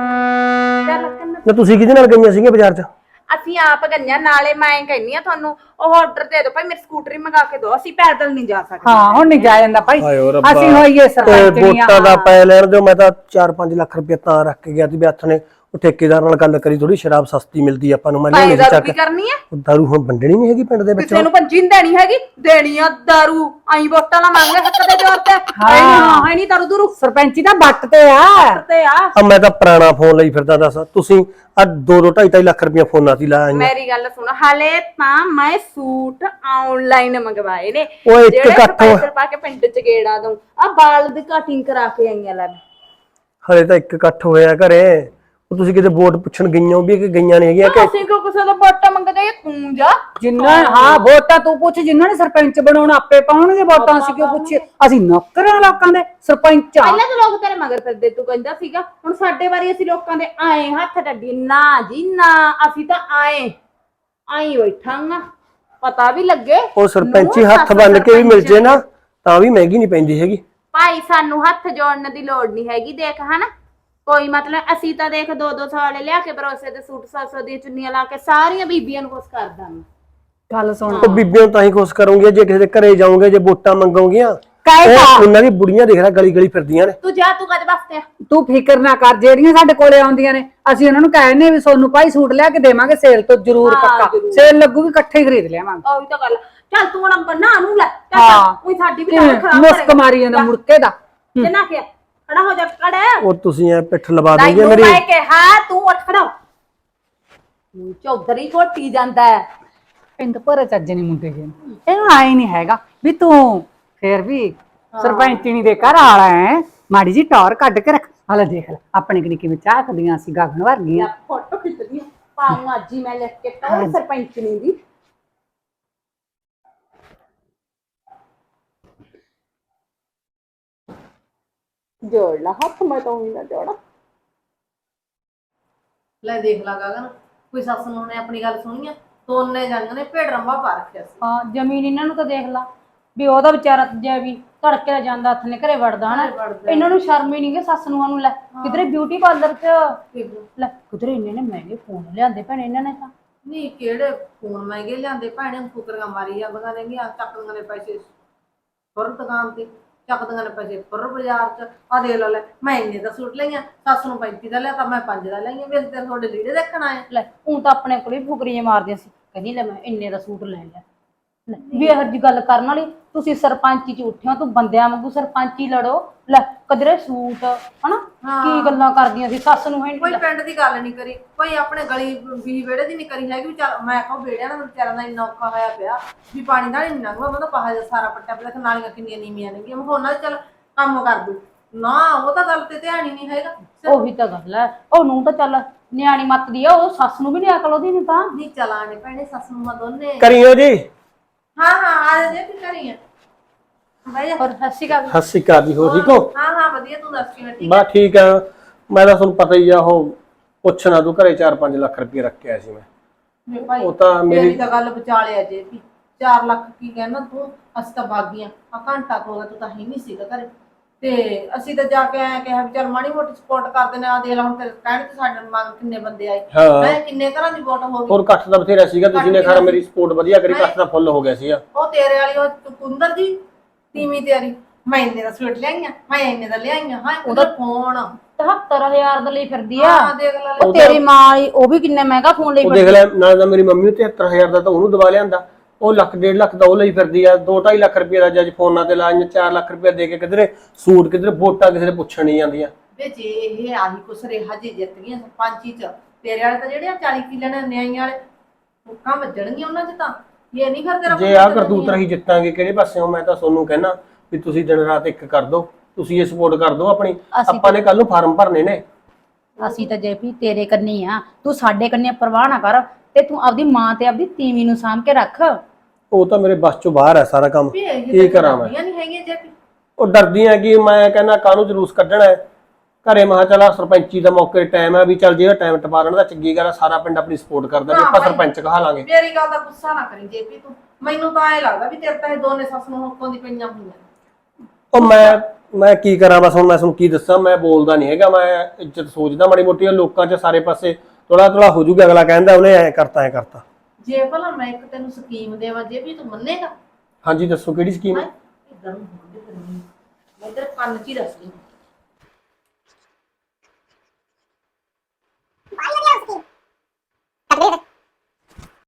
C: 4 ਲੱਖ ਕਰਨਾ
B: ਨਾ ਤੁਸੀਂ ਕਿਹਦੇ ਨਾਲ ਗਈਆਂ ਸੀਗੀਆਂ ਬਾਜ਼ਾਰ 'ਚ?
C: ਅਸੀਂ ਆਪ ਗਈਆਂ ਨਾਲੇ ਮੈਂ ਕਹਿੰਨੀ ਆ ਤੁਹਾਨੂੰ ਉਹ ਆਰਡਰ ਦੇ ਦਿਓ ਭਾਈ ਮੇਰੀ ਸਕੂਟਰੀ ਮੰਗਾ ਕੇ ਦਿਓ ਅਸੀਂ ਪੈਦਲ ਨਹੀਂ ਜਾ ਸਕਦੇ।
D: ਹਾਂ ਹੁਣ ਨਹੀਂ ਜਾ ਜਾਂਦਾ ਭਾਈ,
B: ਹਾਏ ਓ ਰੱਬਾ।
D: ਅਸੀਂ ਹੋਈਏ
B: ਤੇ
D: ਸਰਪੰਚਣੀਆਂ।
B: ਵੋਟਾਂ ਦਾ ਪੈ ਲੈਣ ਦਿਓ, ਮੈਂ ਤਾਂ 4-5 ਲੱਖ ਰੁਪਏ ਤਾਂ ਰੱਖ ਕੇ ਗਿਆ ਸੀ ਵੀ ਹੱਥ ਨੇ ਉਹ ਠੇਕੇਦਾਰ ਨਾਲ ਗੱਲ ਕਰੀ, ਥੋੜੀ ਸ਼ਰਾਬ ਸਸਤੀ ਮਿਲਦੀ ਆਪਾਂ ਨੂੰ, ਮੈਂ
C: ਭਾਈ
B: ਲਿਆਉਣੀ
C: ਦਾਰੂ
B: ਚੱਕ।
C: ਕੀ ਕਰਨੀ ਹੈ
B: ਉਹ ਦਾਰੂ ਹੁਣ ਵੰਡਣੀ ਨਹੀਂ ਹੈਗੀ ਪਿੰਡ ਦੇ ਵਿੱਚ।
C: ਕਿਸੇ ਨੂੰ ਪੰਜੀ ਨੀ ਦੇਣੀ ਹੈਗੀ, ਦੇਣੀ ਆ ਦਾਰੂ ਆਈ ਵੋਟਾਂ ਨਾ ਮੰਗ ਹੱਕ ਦੇ ਜ਼ੋਰ ਤੇ ਹੈ ਨਹੀਂ ਦਾਰੂ ਦੂਰੂ
D: ਸਰਪੰਚੀ ਦਾ ਬੱਟ ਤੇ ਆ।
C: ਤੇ ਆ
B: ਆ ਮੈਂ ਤਾਂ ਪੁਰਾਣਾ ਫੋਨ ਲਈ ਫਿਰਦਾ, ਦੱਸ ਤੁਸੀਂ ਆ 2-2 ਲੱਖ ਰੁਪਏ ਫੋਨਾਂ ਦੀ ਲਾਇਆ।
C: ਮੇਰੀ ਗੱਲ ਸੁਣ ਹਾਲੇ ਤਾਂ ਮੈਂ ਸੂਟ ਆਨਲਾਈਨ ਮੰਗਵਾਏ ਨੇ
B: ਉਹ ਇੱਕ
C: ਜਿਹੜੇ
B: ਇਕੱਠ
C: ਪੈਸੇ ਪਾ ਕੇ ਪਿੰਡ ਚ ਗੇੜਾ ਦਊਂ ਆ ਬਾਲ ਦੀ ਕਟਿੰਗ ਕਰਾ ਕੇ ਆਈਆਂ ਲੈ
B: ਹਲੇ ਤਾਂ ਇੱਕ ਇਕੱਠ ਹੋਇਆ ਘਰੇ, ਉਹ ਤੁਸੀਂ ਕਿਤੇ ਵੋਟ ਪੁੱਛਣ ਗਈਆਂ ਵੀ ਕਿ ਗਈਆਂ ਨਹੀਂ ਹੈਗੀਆਂ ਕਿ?
C: ਅਸੀਂ ਕਿਉਂ ਕਿਸੇ ਦਾ ਵੋਟਾਂ ਮੰਗਦੇ ਤੂੰ ਜਾ
D: ਜਿੰਨਾ ਹਾਂ ਵੋਟਾਂ ਤੂੰ ਪੁੱਛ, ਜਿੰਨਾਂ ਨੇ ਸਰਪੰਚ ਬਣਾਉਣਾ ਆਪੇ ਪਾਉਣਗੇ ਵੋਟਾਂ, ਅਸੀਂ ਕਿਉਂ ਪੁੱਛੇ? ਅਸੀਂ ਨੌਕਰਾਂ ਲੋਕਾਂ ਦੇ ਸਰਪੰਚ ਆ।
C: ਪਹਿਲਾਂ ਤਾਂ ਲੋਕ ਤੇਰੇ ਮਗਰ ਫਿਰਦੇ ਤੂੰ ਕਹਿੰਦਾ ਸੀਗਾ, ਹੁਣ ਸਾਡੇ ਵਾਰੀ ਅਸੀਂ ਲੋਕਾਂ ਦੇ ਆਏ ਹੱਥ ਡੱਡੀ ਨਾ ਜੀ ਨਾ, ਅਸੀਂ ਤਾਂ ਆਏ ਬੈਠਾਂਗਾ ਪਤਾ ਵੀ ਲੱਗੇ
B: ਉਹ ਸਰਪੰਚੀ ਹੱਥ ਬੰਨ ਕੇ ਵੀ ਮਿਲ ਜੇ ਨਾ ਤਾਂ ਵੀ ਮਹਿੰਗੀ ਨਹੀਂ ਪੈਂਦੀ ਹੈਗੀ
C: ਭਾਈ। ਸਾਨੂੰ ਹੱਥ ਜੋੜਨ ਦੀ ਲੋੜ ਨਹੀਂ ਹੈਗੀ, ਦੇਖ ਹਨਾ ਕੋਈ ਮਤਲਬ ਅਸੀਂ ਤਾਂ ਦੇਖ 2-200 ਵਾਲੇ ਲਿਆ ਕੇ ਭਰੋਸੇ ਦੇ ਸੂਟ 100 ਦੀਆਂ ਚੁੰਨੀਆਂ ਲਾ ਕੇ ਸਾਰੀਆਂ ਬੀਬੀਆਂ ਨੂੰ ਖੁਸ਼ ਕਰ ਦਾਂਗੇ।
D: ਗੱਲ ਸੁਣ
B: ਉਹ ਬੀਬੀਆਂ ਨੂੰ ਤਾਂ ਹੀ ਖੁਸ਼ ਕਰੋਗੇ ਜੇ ਕਿਸੇ ਦੇ ਘਰੇ ਜਾਓਗੇ, ਜੇ ਵੋਟਾਂ ਮੰਗੋਗੀਆਂ
D: ਕਾਹੇ
B: ਉਹ ਉਹਨਾਂ ਦੀ ਬੁੜੀਆਂ ਦੇਖ ਲੈ ਗਲੀ ਗਲੀ ਫਿਰਦੀਆਂ ਨੇ।
C: ਤੂੰ ਜਾ ਤੂੰ ਕਦ ਵਾਸਤੇ ਆ?
D: ਤੂੰ ਫਿਕਰ ਨਾ ਕਰ, ਜਿਹੜੀਆਂ ਸਾਡੇ ਕੋਲੇ ਆਉਂਦੀਆਂ ਨੇ ਅਸੀਂ ਉਹਨਾਂ ਨੂੰ ਕਹਿੰਨੇ ਵੀ ਸੋਨੂੰ ਭਾਈ ਸੂਟ ਲਿਆ ਕੇ ਦੇਵਾਂਗੇ ਸੇਲ ਤੋਂ, ਜ਼ਰੂਰ ਪੱਕਾ ਸੇਲ ਲੱਗੂਗੀ ਇਕੱਠੇ ਹੀ ਖਰੀਦ ਲਿਆਵਾਂਗੇ।
C: ਉਹੀ ਤਾਂ ਗੱਲ ਚੱਲ ਤੂੰ ਹੁਣ ਨਾ ਨੂੰ ਲੈ
D: ਹਾਂ।
C: ਚੱਲ ਉਹੀ ਸਾਡੀ ਵੀ ਤਾਂ ਖਰਾਬ
D: ਮੁਸਕ ਮਾਰੀ ਜਾਂਦਾ ਮੁੜਕੇ ਦਾ।
C: ਕਿੰਨਾ ਕਿ ਖੜਾ ਹੋ ਜਾ ਖੜਾ
B: ਉਹ ਤੁਸੀਂ ਐ ਪਿੱਠ ਲਵਾ
C: ਨਹੀਂ
B: ਦੋਗੇ ਮੇਰੀ।
C: ਮੈਂ ਕਿਹਾ ਤੂੰ ਉੱਠ ਖੜਾ ਚੌਧਰੀ ਘੋਟੀ ਜਾਂਦਾ ਹੈ
D: ਪਿੰਡ ਭਰੇ ਚੱਜ ਨਹੀਂ ਮੁੰਡੇ ਗਏ, ਇਹਨੂੰ ਆਏ ਨਹੀਂ ਹੈਗਾ ਵੀ ਤੂੰ ਫੇਰ ਵੀ ਸਰਪੰਚਣੀ ਦੇ ਘਰ ਆਲਾ ਹੈ, ਮਾੜੀ ਜੀ ਟੌਰ ਕੱਢ ਕੇ ਰੱਖ। ਹਾਲੇ ਦੇਖ ਲੈ ਆਪਣੇ ਕਿੰਨੀ ਕਿਵੇਂ ਝਾਕਦੀਆਂ ਸੀ ਗਗਨ ਵਰਗੀਆਂ।
C: ਫੋਟੋ ਖਿੱਚਦੀ ਪਾਉਂ ਅੱਜ ਹੀ ਮੈਂ ਲਿਖ ਕੇ ਤਾਂ ਸਰਪੰਚਣੀ ਦੀ। ਜੋੜ ਲਾ ਹੱਥ, ਮੈਂ ਤਾਂ ਉਹੀ ਨਾ ਜੋੜਾ।
A: ਲੈ ਦੇਖ ਲਾ ਗਗਨ, ਕੋਈ ਸੱਸ ਨੂੰ ਨੇ ਆਪਣੀ ਗੱਲ ਸੁਣੀ ਆ, ਦੋਨੇ ਜੰਗ ਨੇ ਭੇਡ ਰੰਬਾ ਪਾ ਰੱਖਿਆ ਸੀ।
F: ਹਾਂ ਜ਼ਮੀਨ ਇਹਨਾਂ ਨੂੰ ਤਾਂ ਦੇਖ ਲਾ ਵੀ ਉਹਦਾ ਵਿਚਾਰਾ ਜੇ ਵੀ ਧੜਕੇ ਦਾ ਜਾਂਦਾ ਹੱਥ ਨੇ ਘਰੇ ਵੜਦਾ ਹਨਾ, ਇਹਨਾਂ ਨੂੰ ਸ਼ਰਮ ਹੀ ਨਹੀਂ ਕਿ ਸੱਸ ਨੂੰ ਲੈ ਕਿਧਰੇ ਬਿਊਟੀ ਪਾਰਲਰ 'ਚ ਲੈ ਕਿਧਰੇ ਇੰਨੇ ਨੇ ਮਹਿੰਗੇ ਫੋਨ ਲਿਆਂਦੇ ਭੈਣੇ ਇਹਨਾਂ ਨੇ ਤਾਂ।
A: ਨਹੀਂ ਕਿਹੜੇ ਫੋਨ ਮਹਿੰਗੇ ਲਿਆਂਦੇ ਭੈਣੇ, ਫੁਕਰੀਆਂ ਮਾਰੀ ਜਾਂਦੀਆਂ ਨੇਗੀਆਂ, ਚੱਕਦੀਆਂ ਨੇ ਪੈਸੇ ਫੁਰ ਦੁਕਾਨ ਤੇ, ਚੱਕਦੀਆਂ ਨੇ ਪੈਸੇ ਫੁਰ ਬਾਜ਼ਾਰ 'ਚ। ਆ ਦੇਖ ਲਓ ਲੈ ਮੈਂ ਇੰਨੇ ਦਾ ਸੂਟ ਲਈਆਂ, ਸੱਸ ਨੂੰ 35 ਦਾ ਲਿਆ ਤਾਂ ਮੈਂ 5 ਦਾ ਲਈਆਂ, ਵੇਖ ਤੇ ਤੁਹਾਡੇ ਲੀੜੇ ਦੇਖਣ ਆਏ।
F: ਲੈ ਉਹ ਤਾਂ ਆਪਣੇ ਕੋਲ ਵੀ ਫੁਕਰੀਆਂ ਮਾਰਦੀਆਂ ਸੀ, ਕਹਿੰਦੀ ਲੈ ਮੈਂ ਇੰਨੇ ਦਾ ਸੂਟ ਲੈ ਲਿਆ। ਲੈ ਵੀ ਇਹੋ ਜਿਹੀ ਗੱਲ ਕਰਨ ਵਾਲੀ, ਤੁਸੀਂ ਸਰਪੰਚੀ 'ਚ ਉੱਠਿਓ, ਤੂੰ ਬੰਦਿਆਂ ਵਾਂਗੂ ਸਰਪੰਚੀ ਲੜੋ। ਲੈ ਕਦਰੇ ਸੂਟ ਹਨਾ ਕੀ ਗੱਲਾਂ ਕਰਦੀਆਂ ਸੀ ਸੱਸ ਨੂੰ। ਹੈ
A: ਕੋਈ ਪਿੰਡ ਦੀ ਗੱਲ ਨਹੀਂ ਕਰੀ, ਕੋਈ ਆਪਣੇ ਗਲੀ ਵੀ ਵਿਹੜੇ ਦੀ ਨਹੀਂ ਕਰੀ ਹੈਗੀ ਵੀ ਚੱਲ ਮੈਂ ਕਹਾਂ ਵਿਹੜਿਆਂ ਦਾ ਵਿਚਾਰਿਆਂ ਦਾ ਇੰਨਾ ਔਖਾ ਹੋਇਆ ਪਿਆ ਵੀ ਪਾਣੀ ਦਾ ਨਹੀਂ ਲੰਘਦਾ, ਉਹਨਾਂ ਦਾ ਪਾਹਾ ਜਿਹਾ ਸਾਰਾ ਪੱਟਿਆ ਪਿਆ, ਨਾਲੀਆਂ ਕਿੰਨੀਆਂ ਨੀਵੀਆਂ ਨੇਗੀਆਂ, ਮੈਂ ਉਹਨਾਂ ਦਾ ਚੱਲ ਕੰਮ ਕਰ ਦੂ ਨਾ, ਉਹ ਤਾਂ ਗੱਲ ਤੇ ਧਿਆਨ ਹੀ ਨਹੀਂ ਹੈਗਾ।
F: ਉਹੀ ਤਾਂ ਗੱਲ ਹੈ, ਉਹਨੂੰ ਤਾਂ ਚੱਲ ਨਿਆਣੀ ਮੱਤ ਦੀ ਆ, ਉਹ ਸੱਸ ਨੂੰ ਵੀ ਨਹੀਂ ਅਕਲ ਉਹਦੀ ਨਹੀਂ ਤਾਂ।
A: ਨਹੀਂ ਚਲਾਣੇ ਭੈਣੇ ਸੱਸ ਨੂੰ ਦੋਨੇ।
B: ਕਰੀਓ ਜੀ।
A: ਹਾਂ ਆ ਜਾ ਜੇ ਕੀ ਕਰੀਏ ਬਾਈ।
F: ਔਰ ਸਤਿ ਸ਼੍ਰੀ ਅਕਾਲ।
B: ਸਤਿ ਸ਼੍ਰੀ ਅਕਾਲ ਜੀ, ਹੋ ਠੀਕ ਹੋ?
A: ਹਾਂ ਵਧੀਆ, ਤੂੰ ਦੱਸ ਕਿਵੇਂ? ਠੀਕ
B: ਬਸ ਠੀਕ ਆ, ਮੈਂ ਤਾਂ ਤੁਹਾਨੂੰ ਪਤਾ ਹੀ ਆ, ਉਹ ਪੁੱਛਣਾ ਤੂੰ ਘਰੇ 4-5 ਲੱਖ ਰੁਪਏ ਰੱਖਿਆ ਸੀ ਮੈਂ।
A: ਭਾਈ
B: ਉਹ ਤਾਂ
A: ਮੇਰੀ ਤਾਂ ਗੱਲ ਵਿਚਾਲੇ ਆ ਜੇ ਵੀ 4 ਲੱਖ ਕੀ ਕਹਿਣਾ ਤੂੰ, ਅਸੀਂ ਤਾਂ ਬਾਗੀਆਂ ਆ ਘੰਟਾ ਤੋਂ ਤੂੰ ਤਾਂ ਹੀ ਨਹੀਂ ਸੀਗਾ ਘਰੇ, ਤੇ ਅਸੀਂ ਤਾਂ ਜਾ ਕੇ ਆਇਆ ਕਿਹਾ ਵੀ ਚੱਲ ਮਾੜੀ ਮੋਟੀ ਸਪੋਰਟ ਕਰਦੇ ਨੇ। ਆ ਦੇਖ ਲਾ ਹੁਣ ਤੇਰੇ ਕਹਿਣ ਤੇ ਸਾਡੇ ਮੰਗ ਕਿੰਨੇ ਬੰਦੇ ਆਏ, ਮੈਂ ਕਿੰਨੇ ਘਰਾਂ ਦੀ ਵੋਟ ਹੋ ਗਈ।
B: ਹੋਰ ਇਕੱਠ ਦਾ ਬਥੇਰਾ ਸੀਗਾ, ਤੁਸੀਂ ਨੇ ਖੈਰ ਮੇਰੀ ਸਪੋਰਟ ਵਧੀਆ ਕਰੀ, ਇਕੱਠ ਦਾ ਫੁੱਲ ਹੋ ਗਿਆ ਸੀਗਾ।
A: ਉਹ ਤੇਰੇ ਵਾਲੀ ਉਹ ਕੁੰਦਰ ਦੀ ਤੀਵੀਂ ਤੇਰੀ, ਮੈਂ ਇੰਨੇ ਦਾ ਸੂਟ ਲਿਆਈਆਂ, ਮੈਂ ਇੰਨੇ ਦਾ ਲਿਆਈਆਂ। ਹਾਂ ਉਹਦਾ ਫੋਨ
F: 77000 ਦਾ ਲਈ ਫਿਰਦੀ ਆ।
A: ਹਾਂ ਦੇਖ ਲੈ।
F: ਉਹ ਤੇਰੀ ਮਾਂ ਉਹ ਵੀ ਕਿੰਨੇ ਮਹਿੰਗਾ ਫੋਨ ਲਈ
B: ਉਹ ਦੇਖ ਲੈ, ਨਾਲ ਤਾਂ ਮੇਰੀ ਮੰਮੀ 73000 ਦਾ ਤਾਂ ਉਹਨੂੰ ਦਵਾ ਲਿਆਂਦਾ, ਉਹ 1.5 ਲੱਖ ਦਾ ਉਹ ਲਈ ਫਿਰਦੀ ਆ, 2-2.5 ਲੱਖ ਰੁਪਏ ਦਾ ਜੱਜ ਫੋਨਾਂ ਤੇ ਲਾਈਆਂ, 4 ਲੱਖ ਰੁਪਏ ਦੇ ਕੇ ਕਿਧਰੇ ਸੂਟ, ਕਿਧਰੇ ਵੋਟਾਂ ਕਿਸੇ ਦੇ ਪੁੱਛਣ ਨਹੀਂ ਜਾਂਦੀਆਂ।
A: ਵੇ ਜੇ ਇਹ ਆਹੀ ਕੁਛ ਰਿਹਾ ਜੇ ਜਿੱਤ ਗਈਆਂ ਸਰਪੰਚੀ ਚ, ਤੇਰੇ ਵਾਲੇ ਤਾਂ ਜਿਹੜੇ 40 ਕਿੱਲੇ ਨੇ ਨਿਆਈਆਂ ਵਾਲੇ ਮੁੱਕਾਂ ਵੱਜਣਗੀਆਂ ਉਹਨਾਂ ਚ ਤਾਂ। ਇਹ ਨਹੀਂ ਫਿਰ ਤੇਰਾ
B: ਜੇ ਆਹ ਕਰਤੂਤ ਰਹੀ ਜਿੱਤਾਂਗੇ ਕਿਹੜੇ ਪਾਸਿਓਂ, ਮੈਂ ਤਾਂ ਤੁਹਾਨੂੰ ਕਹਿਣਾ ਵੀ ਤੁਸੀਂ ਦਿਨ ਰਾਤ ਇੱਕ ਕਰ ਦੋ, ਤੁਸੀਂ ਇਹ ਸਪੋਰਟ ਕਰ ਦੋ ਆਪਣੀ। ਆਪਾਂ ਨੇ ਕੱਲ ਨੂੰ ਫਾਰਮ ਭਰਨੇ ਨੇ,
F: ਅਸੀਂ ਤਾਂ ਜੇਪੀ ਤੇਰੇ ਕੰਨੀ ਆ, ਤੂੰ ਸਾਡੇ ਕੰਨੀ ਪਰਵਾਹ ਨਾ ਕਰ, ਤੇ ਤੂੰ ਆਪਦੀ ਮਾਂ ਤੇ ਆਪਦੀ ਤੀਵੀਂ ਨੂੰ ਸਾਂਭ ਕੇ ਰੱਖ।
B: ਉਹ ਤਾਂ ਮੇਰੇ ਬਸ ਚੋਂ ਬਾਹਰ ਹੈ ਸਾਰਾ ਕੰਮ,
A: ਵੀ ਇਹ
B: ਕੀ ਕਰਾਂ ਮੈਂ?
A: ਨਹੀਂ ਹੈਗੀਆਂ ਜੇ
B: ਉਹ ਡਰਦੀਆਂ ਕਿ ਮੈਂ ਕਹਿੰਦਾ ਕਾਹਨੂੰ ਜਲੂਸ ਕੱਢਣਾ ਹੈ ਘਰੇ। ਮਹਾ ਚਲਾ ਸਰਪੰਚੀ ਦਾ ਮੌਕੇ ਟਾਈਮ ਹੈ ਵੀ ਚੱਲ ਜਿਹੜਾ ਟਾਈਮ ਟਪਾਰਨ ਦਾ ਚੰਗੀ ਗੱਲ ਆ, ਸਾਰਾ ਪਿੰਡ ਆਪਣੀ ਸਪੋਰਟ ਕਰਦਾ ਵੀ ਆਪਾਂ ਸਰਪੰਚ ਕਹਾ ਲਾਂਗੇ।
A: ਮੇਰੀ ਗੱਲ ਦਾ ਗੁੱਸਾ ਨਾ ਕਰੀ ਜੇਪੀ ਤੂੰ, ਮੈਨੂੰ ਤਾਂ ਐ ਲੱਗਦਾ ਵੀ ਤੇਰੇ ਤਾਂ ਇਹ ਦੋਨੇ ਸੱਸ ਨੂੰ ਹੁੱਕੋਂ ਦੀ ਪਈਆਂ ਹੋਈਆਂ।
B: ਉਹ ਮੈਂ ਕੀ ਕਰਾਂ ਬਸ, ਹੁਣ ਮੈਂ ਤੁਹਾਨੂੰ ਕੀ ਦੱਸਾਂ, ਮੈਂ ਬੋਲਦਾ ਨਹੀਂ ਹੈਗਾ, ਮੈਂ ਇੱਜ਼ਤ ਸੋਚਦਾ ਮਾੜੀ ਮੋਟੀ ਲੋਕਾਂ 'ਚ ਸਾਰੇ ਪਾਸੇ ਥੋੜਾ ਥੋੜਾ ਹੋ ਜੂਗਾ, ਅਗਲਾ ਕਹਿੰਦਾ ਉਹਨੇ ਐ ਕਰਤਾ।
A: ਜੇ ਭਲਾ ਮੈਂ ਇੱਕ ਤੈਨੂੰ ਸਕੀਮ ਦੇਵਾਂ ਜੇ ਵੀ ਤੂੰ ਮੰਨੇਗਾ?
B: ਹਾਂਜੀ ਦੱਸੋ ਕਿਹੜੀ ਸਕੀਮ?
A: ਇਦਾਂ ਨੂੰ ਹੁੰਦੇ ਕਰਨੀ ਮੈਂ ਤੇਰੇ ਕੰਨ 'ਚ ਹੀ ਦੱਸਦੀ।